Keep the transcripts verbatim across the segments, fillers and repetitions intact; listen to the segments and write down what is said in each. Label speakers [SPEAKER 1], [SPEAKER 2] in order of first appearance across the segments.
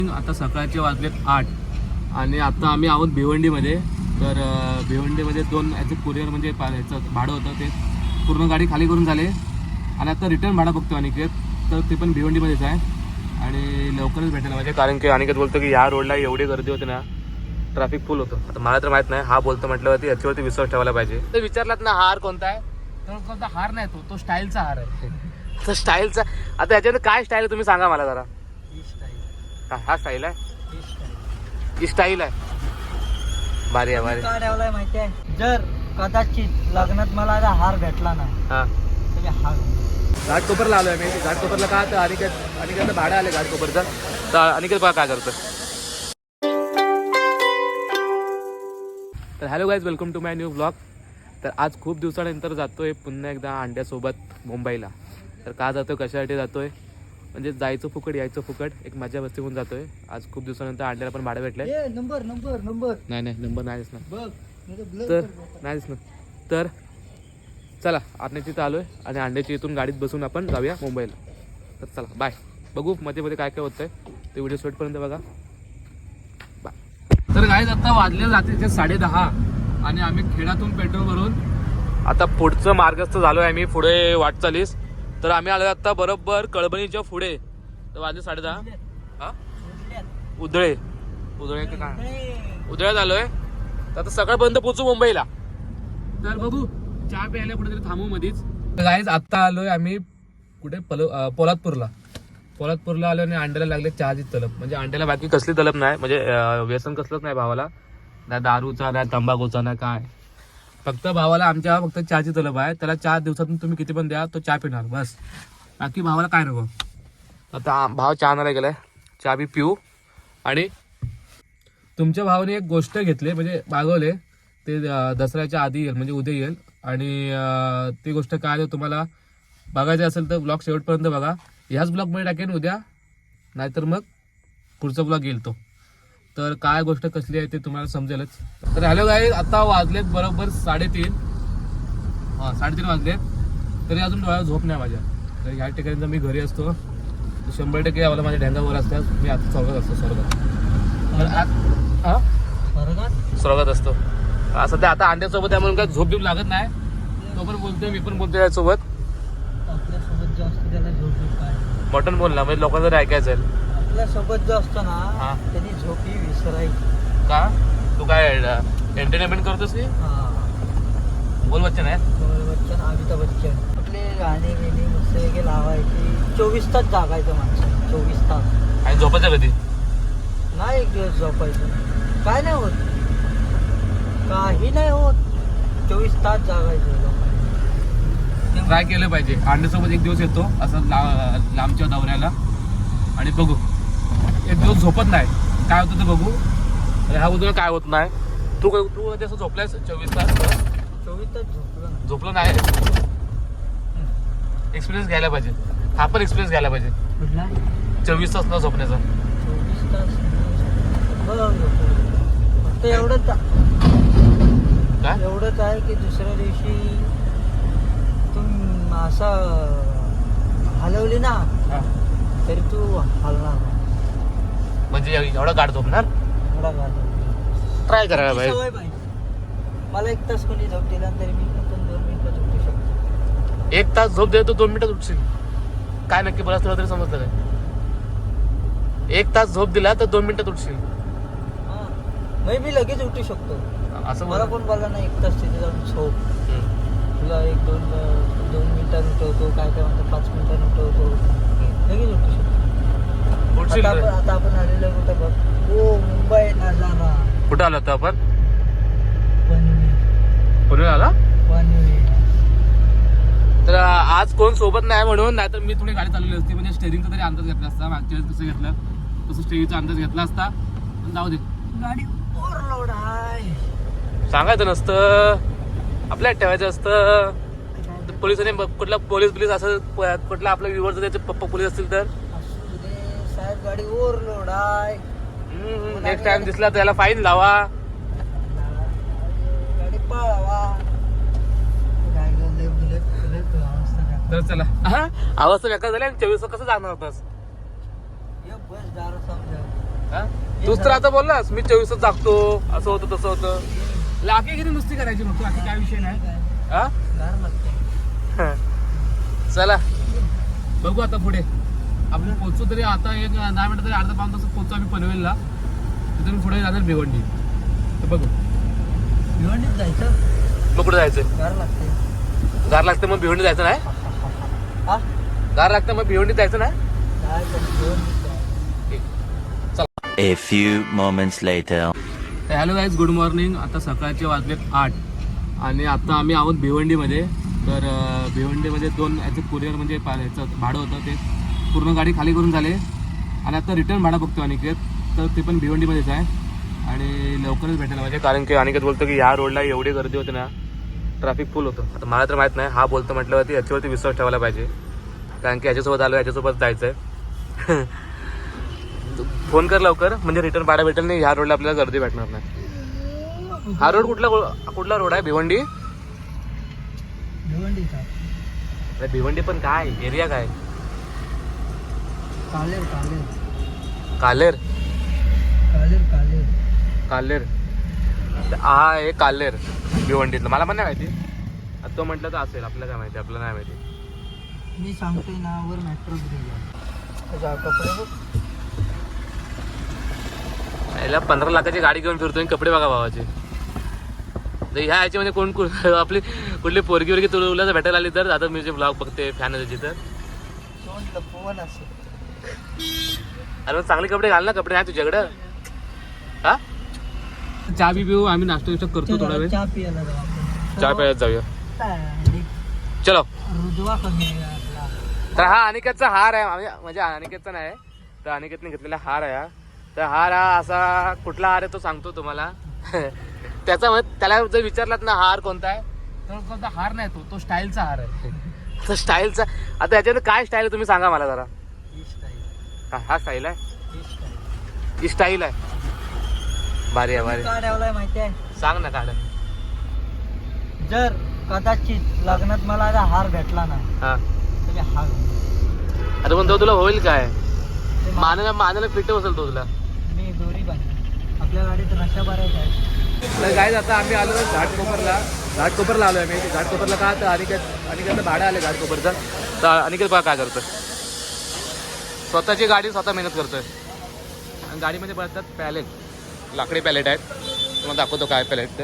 [SPEAKER 1] आता सकाळचे वाजलेत आठ आणि आता आम्ही आहोत भिवंडीमध्ये. तर भिवंडीमध्ये दोन याचं कुरिअर म्हणजे याचं भाडं होतं ते पूर्ण गाडी खाली करून झाले आणि आता रिटर्न भाडं बघतो अनिकेत. तर ते पण भिवंडीमध्येच आहे आणि लवकरच भेटेल म्हणजे, कारण की अनिकेत बोलतो की या रोडला एवढी गर्दी होती ना, ट्रॅफिक फुल होतं. आता मला तर माहीत नाही, हा बोलतो म्हटल्यावरती याच्यावरती विश्वास ठेवायला पाहिजे. तर विचारलात ना हार कोणता आहे, तर कोणता हार नाही, तो तो स्टाईलचा हार आहे. आता स्टाईलचा, आता याच्यामध्ये काय स्टाईल आहे तुम्ही सांगा मला जरा. हा स्टाईल आहे, ही स्टाईल आहे. भारी आहे भारी.
[SPEAKER 2] काय ठेवलाय माहिती आहे, जर कदाचित लग्नात मला आता हार भेटला ना,
[SPEAKER 1] हा
[SPEAKER 2] तर हार
[SPEAKER 1] घाटकोपरला आलोय मी. घाटकोपरला का तर अनिकेत अनिकेतला भाडं आले घाटकोपरचं. तर अनिकेत बघा काय करतं. तर hello guys, welcome to my new blog. तर आज खूप दिवसानंतर जातोय पुन्हा एकदा अंड्यासोबत मुंबईला. तर का जातोय, कशासाठी जातोय, म्हणजे जायचं फुकट यायचं फुकट, एक मजा मस्ती होऊन जातोय. आज खूप दिवसानंतर अंड्याला पण भाडं भेटलंय.
[SPEAKER 2] नंबर नंबर नंबर
[SPEAKER 1] नाही नाही नंबर नाही दिसणार,
[SPEAKER 2] बघ
[SPEAKER 1] तर नाही दिसणार. तर चला आत्याची इथं आलोय आणि अंड्याची इथून गाडीत बसून आपण जाऊया मुंबईला. तर चला बाय. बघू मध्ये मध्ये काय काय होतंय ते व्हिडिओ शेवटपर्यंत बघा. बाय. तर गाईज आता वाजले रात्रीचे साडे दहा आणि आम्ही खेड्यातून पेट्रोल भरून आता पुढचं मार्गस्थ झालोय आम्ही पुढे वाटचालीस. तर आम्ही आलो आता बरोबर कळबणीच्या पुढे. तर वाजले साडे दहा. हा उधळे उधळे काय उधळ्यात आलोय. तर आता सकाळपर्यंत पोहोचू मुंबईला. तर बघू चहा प्यायला कुठेतरी थांबू मधीच. गाईज आत्ता आलोय आम्ही कुठे पल पोलादपूरला. पोलादपूरला आलो आणि अंड्याला लागले चहाची तलब. म्हणजे अंड्याला बाकी कसली तलब नाही, म्हणजे व्यसन कसलंच नाही भावाला, नाही दारूचा नाही तंबाखूचा नाही काय, फक्त भावाला आमच्या फक्त चहाची तलब आहे. त्याला चार दिवसातून तुम्ही किती पण द्या तो चहा पिणार बस, बाकी भावाला काय नको. आता भाव चहा आणायला गेलाय, चहा बी पिऊ. आणि तुमच्या भावाने एक गोष्ट घेतली म्हणजे मागवले ते दसऱ्याच्या आधी येईल, म्हणजे उद्या येईल. आणि ती गोष्ट काय आहे तुम्हाला बघायचं असेल तर ब्लॉग शेवटपर्यंत बघा. ह्याच ब्लॉगमध्ये टाकेन उद्या, नाहीतर मग पुढचा ब्लॉग येईल तो. तर काय गोष्ट कसली आहे ते तुम्हाला समजेलच. तर हॅलो गाईज, आता वाजलेत बरोबर साडेतीन. हां साडेतीन वाजलेत तरी अजून डोळ्यात झोप नाही माझ्या. तर ह्या ठिकाणी जर मी घरी असतो तर शंभर टक्के आम्हाला माझ्या ढेंगावर असतात. मी आता स्वर्गात असतो, स्वर्गात हां
[SPEAKER 2] स्वर्गात
[SPEAKER 1] स्वर्गात असतो. सध्या आता अंड्यासोबत आहे म्हणून काय झोप देऊन लागत नाही. तो पण बोलतोय, मी पण बोलतोय यासोबत.
[SPEAKER 2] आपल्यासोबत जो असतो त्याला झोप येत काय,
[SPEAKER 1] मटन बोल ना, म्हणजे लोकांना जर ऐकायचं आहे.
[SPEAKER 2] आपल्यासोबत जो असतो ना
[SPEAKER 1] हा.
[SPEAKER 2] त्यांनी झोप ही विसरायची.
[SPEAKER 1] का तू काय एंटरटेनमेंट करतोस की बोल बच्चन आहे.
[SPEAKER 2] बच्चन, अमिताभ बच्चन आपले गाणे बिणे मस्त वेगळे लावायचे. चोवीस तास जागायचं माणसं, चोवीस तास.
[SPEAKER 1] आणि झोपायचं कधी
[SPEAKER 2] नाही एक दिवस झोपायचं, काय नाही होत, काही नाही होत. चोवीस तास जागायचं लोकांनी.
[SPEAKER 1] ट्राय केलं पाहिजे. अंड्यासोबत एक दिवस येतो असं ला लांबच्या दौऱ्याला आणि बघू. एक दिवस झोपत नाही काय होतं ते बघू. अरे हा उद्या काय होत नाही. तू तू कधी असं झोपलायस चोवीस तास?
[SPEAKER 2] चोवीस तास झोपलं
[SPEAKER 1] झोपलं नाही. एक्सपिरियन्स घ्यायला पाहिजे. हा पण एक्सपिरियन्स घ्यायला पाहिजे
[SPEAKER 2] कुठला
[SPEAKER 1] चोवीस तास न झोपण्याचा.
[SPEAKER 2] चोवीस तास फक्त एवढंच
[SPEAKER 1] काय
[SPEAKER 2] एवढंच आहे की दुसऱ्या दिवशी तुम असं हलवली ना
[SPEAKER 1] हा.
[SPEAKER 2] तरी तू हलणार नाही.
[SPEAKER 1] म्हणजे एवढा गाठ झोपणार.
[SPEAKER 2] एवढा घालव
[SPEAKER 1] ट्राय करायला पाहिजे.
[SPEAKER 2] सवय पाहिजे. मला एक तास कोणी झोप दिला तरी मी पण दोन मिनिटात झोपू शकतो.
[SPEAKER 1] एक तास झोप दे तो दोन मिनिटात उठशील काय नक्की बरंच तुला तरी समजलं काय. एक तास झोप दिला तर दोन मिनिटात उठशील.
[SPEAKER 2] हां मी मी लगेच उठू शकतो.
[SPEAKER 1] असं
[SPEAKER 2] मला
[SPEAKER 1] बोल.
[SPEAKER 2] कोण बोलला ना एक तास तिथे जाऊन झोप,
[SPEAKER 1] हम्म.
[SPEAKER 2] तुला एक दोन दोन मिनिटात उठवतो, काय काय म्हणतो पाच मिनिटात उठवतो, लगेच उठू शकतो.
[SPEAKER 1] उठशील
[SPEAKER 2] आता
[SPEAKER 1] रे.
[SPEAKER 2] आपण आता आपण आलेलो आहे कुठं बघ, ओ मुंबई नजारा.
[SPEAKER 1] कुठं आलो होतो आपण?
[SPEAKER 2] पनवेल
[SPEAKER 1] पुणे आला.
[SPEAKER 2] पनवेल.
[SPEAKER 1] तर आज कोण सोबत नाही म्हणून, नाहीतर मी थोडी गाडी चालवली असती, म्हणजे स्टेरिंगचा तरी अंदाज घेतला असता. मागच्या वेळेस कसं घेतलं तसं स्टेरिंगचा अंदाज घेतला असता. पण जाऊ दे,
[SPEAKER 2] गाडी ओव्हरलोड आहे.
[SPEAKER 1] सांगायचं नसतं, आपल्याला ठेवायचं असतं. पोलिसांनी कुठला पोलीस बिलीस असं कुठला आपल्या व्ह्यूवर जर त्याचे पप्पा पोलीस असतील तर
[SPEAKER 2] असू दे साहेब, गाडी ओव्हरलोड आहे.
[SPEAKER 1] नेक्स्ट टाइम दिसला तर त्याला फाईन लावा.
[SPEAKER 2] गाडी पळवा.
[SPEAKER 1] तर चला हा अवस्था बेकार झाली आणि चोवीस कसं जाणार होतास.
[SPEAKER 2] बस दारू समजा
[SPEAKER 1] हा? तूच तर आता बोललास मी चोवीसच जागतो असं होतं तसं होतं. लाखे किती नुसती करायची मग बाकी काय विषय नाही. हा
[SPEAKER 2] गार लागते.
[SPEAKER 1] चला बघू आता पुढे आपण पोहोचू तरी आता एक दहा मिनिटं तरी अर्धा पाच तास पोहोचू आम्ही पनवेलला. तिथून पुढे जाणार भिवंडी. तर बघू
[SPEAKER 2] भिवंडीत जायचं.
[SPEAKER 1] मग कुठे जायचं.
[SPEAKER 2] गार लागते.
[SPEAKER 1] गार लागतं मग भिवंडी जायचं नाही.
[SPEAKER 2] हा
[SPEAKER 1] गार लागतं मग भिवंडी जायचं नाही.
[SPEAKER 2] जायचं भिवंडीत जायचं.
[SPEAKER 1] ठीक. चला.
[SPEAKER 3] A few moments later.
[SPEAKER 1] Hello guys good morning. आता सकाळचे वाजलेत आठ आणि आता आम्ही आहोत भिवंडीमध्ये. तर अं, भिवंडीमध्ये दोन याचं कुरिअर म्हणजे पा- याचं भाडं होतं ते पूर्ण गाडी खाली करून झाले आणि आता रिटर्न भाडं बघतो अनिकेत. तर ते पण भिवंडीमध्येच आहे आणि लवकरच भेटायला पाहिजे कारण की अनिकेत बोलतो की ह्या रोडला एवढी गर्दी होती ना ट्रॅफिक फुल होतं. आता मला तर माहीत नाही हा बोलतो म्हटल्यावरती याच्यावरती विश्वास ठेवायला पाहिजे कारण की याच्यासोबत आलो याच्यासोबत जायचं आहे. फोन कर लवकर म्हणजे रिटर्न भाडं भेटेल नाही. ह्या रोडला आपल्याला गर्दी भेटणार नाही. हा रोड कुठला कुठला रोड आहे भिवंडी.
[SPEAKER 2] भिवंडीचा
[SPEAKER 1] अरे भिवंडी पण काय एरिया काय.
[SPEAKER 2] कालेर कालेर
[SPEAKER 1] कालेर
[SPEAKER 2] कालेर कालेर
[SPEAKER 1] कालेर हा आहे कालेर भिवंडीतलं. मला पण नाही माहिती. आता तो म्हटलं तर असेल आपल्याला काय माहिती आपल्याला नाही माहिती.
[SPEAKER 2] मी सांगतोय ना वर मेट्रो ब्रिज आहे. कपडे बघ.
[SPEAKER 1] याला पंधरा लाखाची गाडी घेऊन फिरतोय कपडे बघा भावाचे. तर ह्या ह्याच्यामध्ये कोण कोण आपली कुठली पोरगी वरगी तुला भेटायला आली तर आता मी जे ब्लॉग बघते फॅन आहे त्याची तर
[SPEAKER 2] तोंड लपवून असेल.
[SPEAKER 1] अरे मग चांगले कपडे घाल ना. कपडे आहे तुझ्याकडं. हा चहा बी पिऊ आम्ही नाश्ता विष्टा करतो थोडा वेळ.
[SPEAKER 2] चहा पियाला जाऊ आपण.
[SPEAKER 1] चहा प्यायला जाऊया
[SPEAKER 2] काय,
[SPEAKER 1] चलो.
[SPEAKER 2] रुजवा कमी आहे आपला.
[SPEAKER 1] तर हा अनिकेतचा हार आहे आम्ही म्हणजे अनिकेतचा नाही तर अनिकेतने घेतलेला हार आहे हा. तर हार हा असा कुठला हार आहे तो सांगतो तुम्हाला. त्याचा म्हणजे त्याला जर विचारलात ना हार कोणता आहे तर कोणता हार नाही तो तो स्टाईलचा हार आहे. तो स्टाईलचा. आता याच्यामध्ये काय स्टाईल आहे तुम्ही सांगा मला जरा.
[SPEAKER 2] ही स्टाईल.
[SPEAKER 1] हा हा स्टाईल आहे.
[SPEAKER 2] ही स्टाईल.
[SPEAKER 1] ही स्टाईल आहे. भारी आहे भारी.
[SPEAKER 2] का ठेवलाय माहिती आहे.
[SPEAKER 1] सांग ना काढ.
[SPEAKER 2] जर कदाचित लग्नात मला आता हार भेटला ना
[SPEAKER 1] हा
[SPEAKER 2] तर मी हार घेईन.
[SPEAKER 1] अरे पण तो तुला होईल काय.
[SPEAKER 2] ते मा-
[SPEAKER 1] मानाला मानाला फिट बसेल तो तुला.
[SPEAKER 2] मी दोरी बांधली. आपल्या गाडीत नशा भरायचा आहे.
[SPEAKER 1] तर काय आता आम्ही आलो घाटकोपरला. घाटकोपरला आलो आम्ही. घाटकोपरला का तर अनिकेत अनिकेतला भाडं आले घाटकोपरचं. तर अनिकेत बघा काय करतोय. स्वतःची गाडी स्वतः मेहनत करतोय आणि गाडीमध्ये बसतात पॅलेट लाकडी पॅलेट आहेत. तुम्हाला दाखवतो काय पॅलेट ते.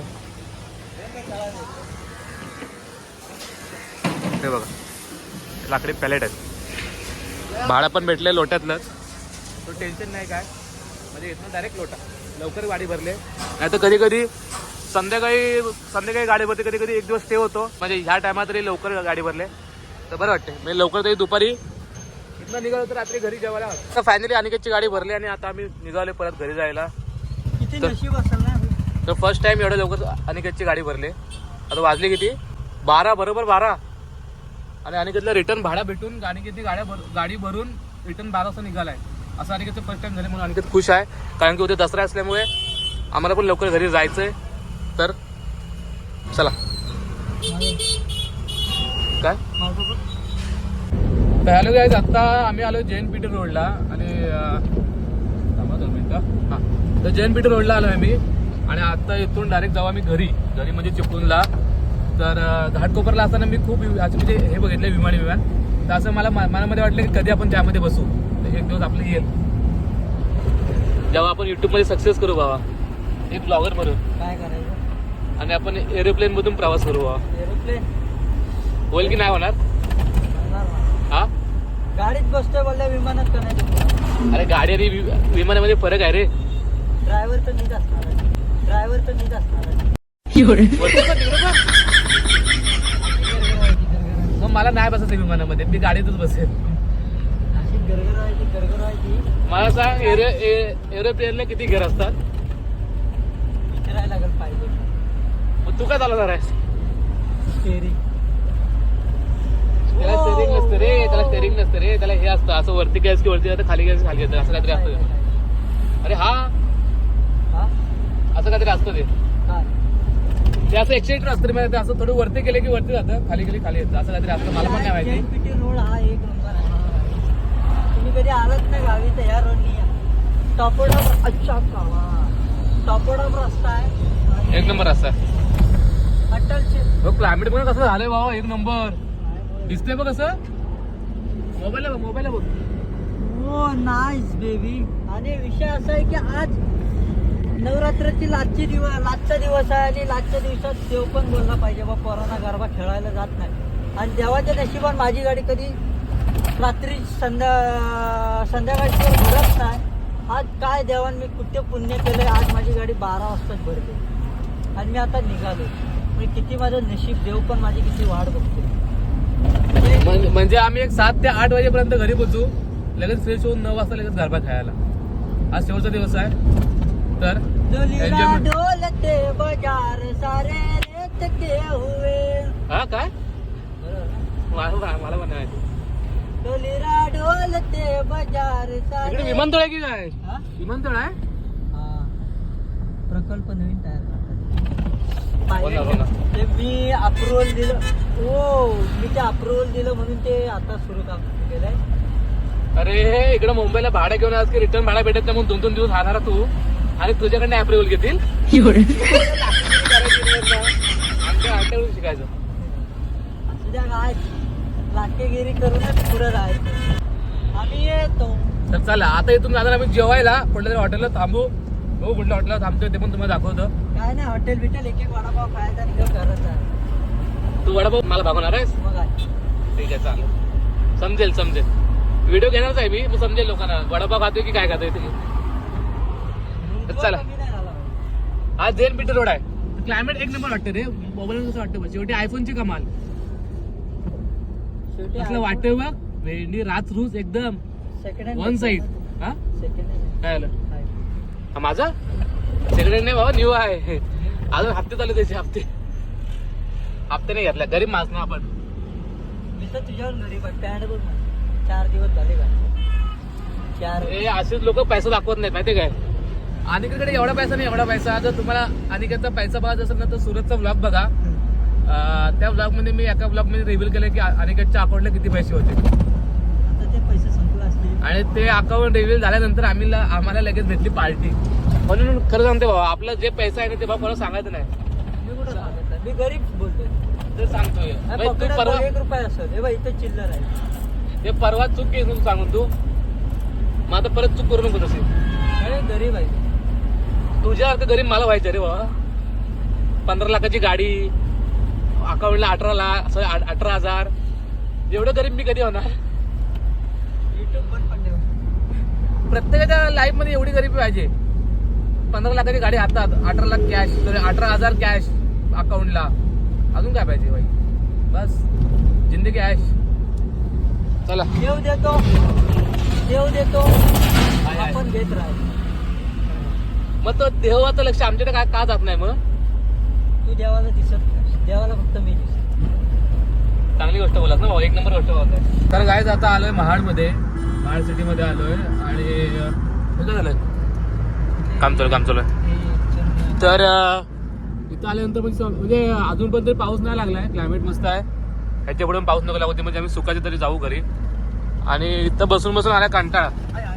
[SPEAKER 1] ते बघा लाकडी पॅलेट आहेत. भाडं पण भेटले लोट्यातलंच. तो टेन्शन नाही काय म्हणजे इथनं डायरेक्ट लोटा लवकर गाडी भरले. नाही तर कधी कधी संध्याकाळी संध्याकाळी गाडी भरते कधी कधी एक दिवस स्टे होतो म्हणजे ह्या टायमात तरी लवकर गाडी भरले तर बरं वाटते. म्हणजे लवकर तरी दुपारी इथनं निघालो तर रात्री घरी जेवायला. तर फायनली अनिकेतची गाडी भरली आणि आता आम्ही निघालो परत घरी जायला.
[SPEAKER 2] किती
[SPEAKER 1] तर-
[SPEAKER 2] नशीब असेल ना.
[SPEAKER 1] तर फर्स्ट टाइम एवढं लवकर अनिकेतची गाडी भरली. आता वाजली किती बारा बरोबर बारा आणि अनिकेतला रिटर्न भाडा भेटून अनिकेतची गाड्या भर गाडी भरून रिटर्न बारा वाजता निघालाय. असं अनिकेतचं फर्स्ट टाइम झाले म्हणून अनिकेत खुश आहे कारण की उद्या दसरा असल्यामुळे आम्हाला पण लवकर घरी जायचंय. तर चला काय तर हॅलो गाईज आता आम्ही आलो जैन पीटर रोडला आणि थांबा दोन मिनिटं. हां तर जैन पीटर रोडला आलो आम्ही आणि आता इथून डायरेक्ट जाऊ आम्ही घरी. घरी म्हणजे चिपळूणला. तर घाटकोपरला असताना मी खूप असं म्हणजे हे बघितलं विमानी विमान. तर असं मला मनामध्ये वाटलं की कधी आपण त्यामध्ये बसू. एक दिवस आपलं येईल जेव्हा आपण युट्यूबमध्ये सक्सेस करू बाबा एक ब्लॉगर म्हणून
[SPEAKER 2] काय करायचं.
[SPEAKER 1] आणि आपण एरोप्लेन मधून प्रवास करू बाबा.
[SPEAKER 2] एरोप्लेन
[SPEAKER 1] होईल की नाही होणार. हा
[SPEAKER 2] गाडीत बसतोय बोलल्या विमानात का नाही.
[SPEAKER 1] अरे गाडी आणि वि- विमानामध्ये फरक आहे रे.
[SPEAKER 2] ड्रायव्हर तर नीट असणार आहे. ड्रायव्हर तर नीट असणार आहे.
[SPEAKER 1] मग मला नाही बसायचं विमानामध्ये मी गाडीतच बसेल.
[SPEAKER 2] अशी गरगर व्हायची गरगर व्हायची.
[SPEAKER 1] मला सांग एरो एरोप्लेनला किती घर असतात.
[SPEAKER 2] विचारायला लागेल पाहिजे.
[SPEAKER 1] मग तू काय चालवणार आहेस.
[SPEAKER 2] स्टेरिंग.
[SPEAKER 1] त्याला स्टेरिंग नसतं रे. त्याला स्टेरिंग नसतं रे. त्याला हे असतं असं वरती गॅस की वरती जातं खाली गॅस खाली येतं असं काहीतरी असतं. अरे हा
[SPEAKER 2] हा
[SPEAKER 1] असं काहीतरी असतं ते.
[SPEAKER 2] काय
[SPEAKER 1] ते असं एक्सिडेंट असतं रे. ते असं थोडं वरती गेले की वरती जातं खाली गेले खाली येतं असं काहीतरी असतं. मला पण नाही माहिती.
[SPEAKER 2] जैन पीटी रोड हा एक नंबर आहे. तुम्ही कधी आलात ना गावी तर या रोडनी या. टॉपोडा अच्छा कावा टॉपोडा रस्ता आहे.
[SPEAKER 1] एक नंबर असा
[SPEAKER 2] अटलचे
[SPEAKER 1] हो. क्लायमेट पण कसं झालंय बाबा, एक नंबर दिसतंय बघ कसं. मोबाईल बघ, मोबाईल बघ.
[SPEAKER 2] हो नाईस बेबी. आणि विषय असा आहे की आज नवरात्राची लाचची दिवस लाचचा दिवस आहे आणि लाचच्या दिवसात देव पण बोलला पाहिजे बा पोरांना गरबा खेळायला जात नाही. आणि देवाच्या नशिबात माझी गाडी कधी रात्री संध्या संध्याकाळची घडत नाही. आज काय देवान मी कुठे पुण्य केलंय, आज माझी गाडी बारा वाजताच भरते आणि मी आता निघालो. म्हणजे किती माझं नशीब, देव पण माझी किती वाट बघतो.
[SPEAKER 1] म्हण- म्हणजे आम्ही एक सात ते आठ वाजेपर्यंत घरी पोहोचू, लगेच फ्रेश होऊन नऊ वाजता लगेच गरबा खेळायला. आज शेवटचा दिवस आहे तर
[SPEAKER 2] डोलीला
[SPEAKER 1] enjoyment.
[SPEAKER 2] डोलते बाजार सारे रेत के हुए.
[SPEAKER 1] हा काय
[SPEAKER 2] बरोबर ना?
[SPEAKER 1] मला मला पण नाही माहिती.
[SPEAKER 2] डोलीला डोलते बाजार
[SPEAKER 1] इकडे
[SPEAKER 2] सारे.
[SPEAKER 1] विमानतळ आहे की काय?
[SPEAKER 2] हा?
[SPEAKER 1] विमानतळ आहे.
[SPEAKER 2] हा. प्रकल्प नवीन तयार
[SPEAKER 1] बोला, बोला.
[SPEAKER 2] करतात. ते मी अप्रुव्हल दिलं. हो मी ते अप्रुव्हल दिलं म्हणून ते आता सुरू काम केलंय.
[SPEAKER 1] अरे इकडे मुंबईला भाडं घेऊन आज की रिटर्न भाडा भेटत नाही म्हणून दोन दोन दिवस राहणार तू आणि तुझ्याकडनं अप्रुव्हल घेतील. आमच्या आठवडून शिकायचं.
[SPEAKER 2] तुझ्या काय लाकेगिरी करूनच पुढे जायचं. आम्ही येतो.
[SPEAKER 1] तर चला आता इथून जाणार आम्ही जेवायला कुठल्या तरी हॉटेलला थांबू. हो कुठल्या हॉटेलला थांबतोय ते पण तुम्हाला दाखवतो.
[SPEAKER 2] काय नाही हॉटेल बिटेल एक एक वडापाव खायचा आणि घर घरात जायचं.
[SPEAKER 1] तू वडापाव मला भागवणार आहेस.
[SPEAKER 2] मग काय
[SPEAKER 1] ठीक आहे चालेल, समजेल समजेल. व्हिडिओ घेणारच आहे मी, मग समजेल लोकांना वडापाव खातोय की काय खातोय ते. चला.
[SPEAKER 2] कमी नाही झाला पाहिजे.
[SPEAKER 1] आज जेन बीटर रोड आहे. क्लायमेट एक नंबर वाटतं रे. मोबाईल कसं वाटतं बघ, शेवटी आयफोनची कमाल.
[SPEAKER 2] शेवटी
[SPEAKER 1] असलं वाटतंय बघ, वेंडी रात रूज एकदम
[SPEAKER 2] सेकंड हँड
[SPEAKER 1] वन साइड. हा
[SPEAKER 2] सेकंड हँड
[SPEAKER 1] काय आलं हा माझा सेकंड हँड नाही बाबा, न्यू आहे. अजून हप्ते चालू त्याचे हप्ते हप्ते नाही घेतला. गरीब माणूस ना आपण.
[SPEAKER 2] मी तर तुझ्यावर गरीब आहे. पॅन्ट बघ ना. चार दिवस झाले का चार.
[SPEAKER 1] हे असेच लोक पैसा दाखवत नाहीत माहिती काय. अनिकेकडे एवढा पैसा नाही एवढा पैसा. जर तुम्हाला अनिकेचा पैसा बघायचा असेल ना तर सुरतचा ब्लॉग बघा. अं, त्या ब्लॉग मध्ये मी एका ब्लॉग मध्ये रिव्हील केलं की अनिकेतच्या अकाउंटला किती पैसे होते
[SPEAKER 2] आता ते पैसे संपले असतील.
[SPEAKER 1] आणि ते अकाउंट रिव्हील झाल्यानंतर आम्ही आम्हाला लगेच भेटली पार्टी. म्हणून खरं सांगते बाबा, आपला जे पैसा आहे ना ते बाबा कोणाला सांगायचं नाही.
[SPEAKER 2] मी कुठं सांगितलं, मी गरीब बोलतोय.
[SPEAKER 1] ते सांगतोय
[SPEAKER 2] अरे
[SPEAKER 1] म्हणजे तू
[SPEAKER 2] पकडात
[SPEAKER 1] परवा
[SPEAKER 2] एक रुपये असेल हे बघ इथं चिल्लर आहे.
[SPEAKER 1] ते परवा चूक केली तू सांगून तू मग आता परत चूक करू नको तशी.
[SPEAKER 2] अरे गरीब आहे.
[SPEAKER 1] तुझ्यासारखं गरीब मला व्हायचं रे बाबा. पंधरा लाखाची गाडी, अकाउंटला अठरा लाख सॉरी अठरा हजार. एवढं गरीब मी कधी होणार.
[SPEAKER 2] युट्यूब बंद पडले.
[SPEAKER 1] प्रत्येकाच्या लाईफ मध्ये एवढी गरीबी पाहिजे. पंधरा लाखाची गाडी हातात, अठरा लाख कॅश, सॉरी अठरा हजार कॅश अकाउंटला. अजून काय पाहिजे भाई. बस जिंदगी ऐश. चला
[SPEAKER 2] देव देतो देव देतो
[SPEAKER 1] आहे.
[SPEAKER 2] आपण घेत राहायचं.
[SPEAKER 1] मग तो देवाचं लक्ष आमच्याकडे काय का जात नाही. मग
[SPEAKER 2] तू देवाला दिसत नाही. देवाला फक्त मी दिसत.
[SPEAKER 1] चांगली गोष्ट बोलत ना भाऊ, एक नंबर गोष्ट बोलत आहे. तर गाईज आता आलोय महाडमध्ये, महाड सिटीमध्ये आलोय आणि कुठं झालंय काम चालू काम चालू आहे. तर अं, इथं आल्यानंतर म्हणजे म्हणजे अजून पण तरी पाऊस नाही लागलाय. क्लायमेट मस्त आहे. ह्याच्या पुढे पाऊस नको लागू दे म्हणजे आम्ही सुखाचे तरी जाऊ घरी. आणि इथं बसून बसून आला कंटाळा.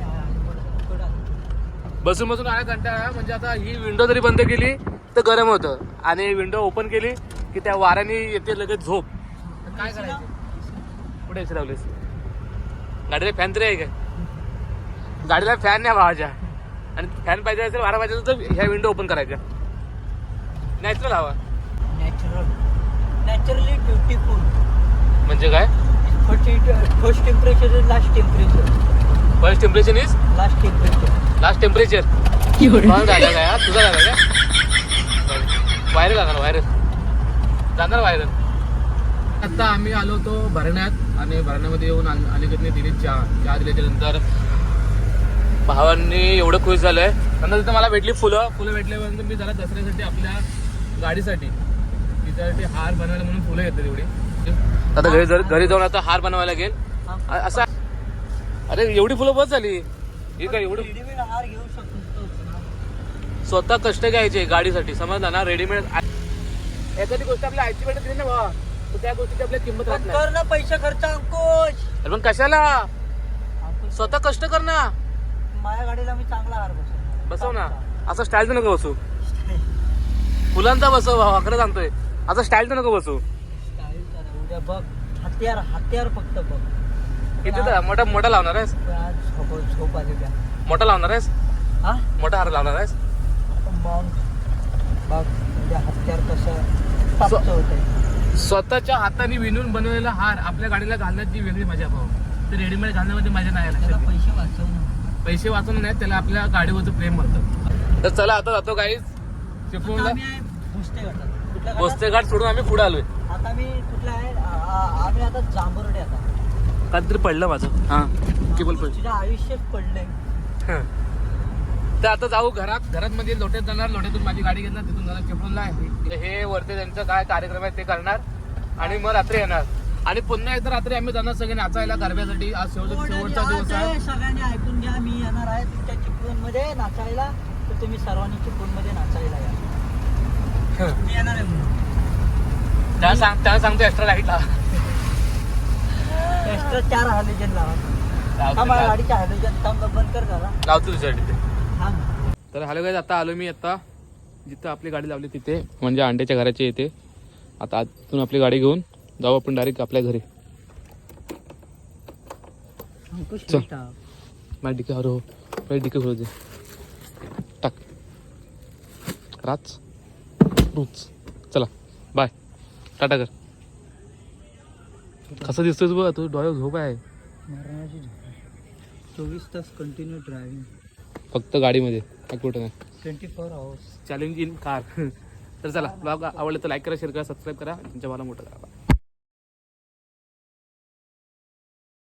[SPEAKER 1] बसून बसून आला कंटाळा म्हणजे आता ही विंडो जरी बंद केली तर गरम होतं आणि विंडो ओपन केली की त्या वाऱ्याने येते लगेच झोप. तर काय करायचं. कुठे एसी लावलीस. गाडीला फॅन तरी आहे काय. गाडीला फॅन नाही भावाच्या. आणि फॅन पाहिजे असेल वारा पाहिजे तर ह्या विंडो ओपन करायच्या. नॅचरल हवा.
[SPEAKER 2] Natural naturally beautiful.
[SPEAKER 1] म्हणजे काय.
[SPEAKER 2] First temperature is last temperature.
[SPEAKER 1] First temperature is
[SPEAKER 2] last temperature.
[SPEAKER 1] Last temperature. झालं काय यार तुझा झाला काय. व्हायरल जाणार व्हायरल जाणार व्हायरल. आता आम्ही आलो होतो भरण्यात आणि भरण्यामध्ये येऊन अनिकेतने दिली चहा. चहा दिल्याच्या नंतर भावांनी एवढं खुश झालंय. नंतर तिथं मला भेटली फुलं. फुलं भेटल्यानंतर मी जरा दसऱ्यासाठी आपल्या गाडीसाठी तिच्यासाठी हार बनवायला म्हणून फुलं घेतली तेवढी. आता घरी जर घरी जाऊन आता हार बनवायला लागेल. असा अरे एवढी फुलं बस झाली. ही काय एवढी
[SPEAKER 2] रेडीमेड हार घेऊ शकतो.
[SPEAKER 1] स्वतः कष्ट घ्यायचे गाडीसाठी समजला ना. रेडीमेड एखादी गोष्ट आपल्या आईची भेटत नाही ना बाबा तर त्या गोष्टीची आपल्याला किंमत राहत नाही.
[SPEAKER 2] कर ना पैसे खर्च अंकुश.
[SPEAKER 1] अरे पण कशाला. स्वतः कष्ट कर ना.
[SPEAKER 2] माझ्या गाडीला मी चांगला हार बसव
[SPEAKER 1] बसव ना असं स्टाईल नको बसू फुलांचा बसव अकरा सांगतोय असं स्टाईल नको बसू
[SPEAKER 2] उद्या बघ हत्यार हत्यार फक्त बघ
[SPEAKER 1] किती तर मोठा मोठा लावणार आहेस
[SPEAKER 2] आज झोप झोप आली त्या
[SPEAKER 1] मोठा लावणार आहेस
[SPEAKER 2] हा
[SPEAKER 1] मोठा हार लावणार आहेस
[SPEAKER 2] मग बघ उद्या हत्यार कसं प्राप्त होत आहे
[SPEAKER 1] स्वतःच्या हाताने विणून बनवलेला हार आपल्या गाडीला घालण्याची वेगळी मजा भाऊ ते रेडीमेड घालण्यामध्ये मजा नाही
[SPEAKER 2] त्याला
[SPEAKER 1] आला
[SPEAKER 2] पैसे वाचवणं
[SPEAKER 1] पैसे वाचवणं नाही त्याला आपल्या गाडीवरचं प्रेम म्हणतं तर चला आता जातो काहीच चिपळूणला
[SPEAKER 2] आम्ही आहे भोसते घाटात कुठल्या घाटात?
[SPEAKER 1] भोसते घाट सोडून आम्ही पुढे आलोय
[SPEAKER 2] आता मी कुठला आहे आ- आ- आम्ही आता जांभुर्डे आता
[SPEAKER 1] काहीतरी पडलं माझं हा की बोल पडलं
[SPEAKER 2] तुझ्या आयुष्यात पडलंय
[SPEAKER 1] तर आता जाऊ घरात घरात मध्ये लोट्यात जाणार लोट्यातून माझी गाडी घेणार तिथून जाणार चिपळूणला आहे हे वरती त्यांचं काय कार्यक्रम आहे ते करणार आणि मग रात्री येणार आणि पुन्हा एकदा रात्री आम्ही जाणार सगळे नाचायला गरब्यासाठी आज शेवट शेवटचा दिवस आहे
[SPEAKER 2] आज सगळ्यांनी ऐकून घ्या मी येणार आहे तुमच्या चिपळूण मध्ये नाचायला तर तुम्ही सर्वांनी चिपळूण मध्ये नाचायला या मी येणार आहे म्हणून
[SPEAKER 1] त्याला सांग त्याला सांगतो एक्स्ट्रा लाईट लावा
[SPEAKER 2] एक्स्ट्रा चार हॅलोजन लावा हा माझ्या गाडीच्या हॅलोजन थांब बंद कर जरा
[SPEAKER 1] लावतो तुझ्यासाठी ते
[SPEAKER 2] थांब
[SPEAKER 1] तर हॅलो गाईज आता आलो मी आता जिथं आपली गाडी लावली तिथे म्हणजे अंड्याच्या घराच्या इथे आता आतून आपली गाडी घेऊन जाऊ आपण डायरेक्ट आपल्या घरी
[SPEAKER 2] अंकुश
[SPEAKER 1] चल.
[SPEAKER 2] बेटा.
[SPEAKER 1] माझी डिके हरो माझी डिके खोलू दे टाक राच रूच चला बाय टाटा कर कसं दिसतोय तू बघ तू डोळ्यावर झोप आहे
[SPEAKER 2] मरणाची झोप आहे. चोवीस तास कंटिन्यू ड्रायव्हिंग
[SPEAKER 1] फक्त गाडीमध्ये काय कुठं नाही
[SPEAKER 2] twenty four hours
[SPEAKER 1] challenge in car तर चला ब्लॉग आवडलं तर लाईक करा शेअर करा सबस्क्राईब करा तुमच्या मला मोठं करा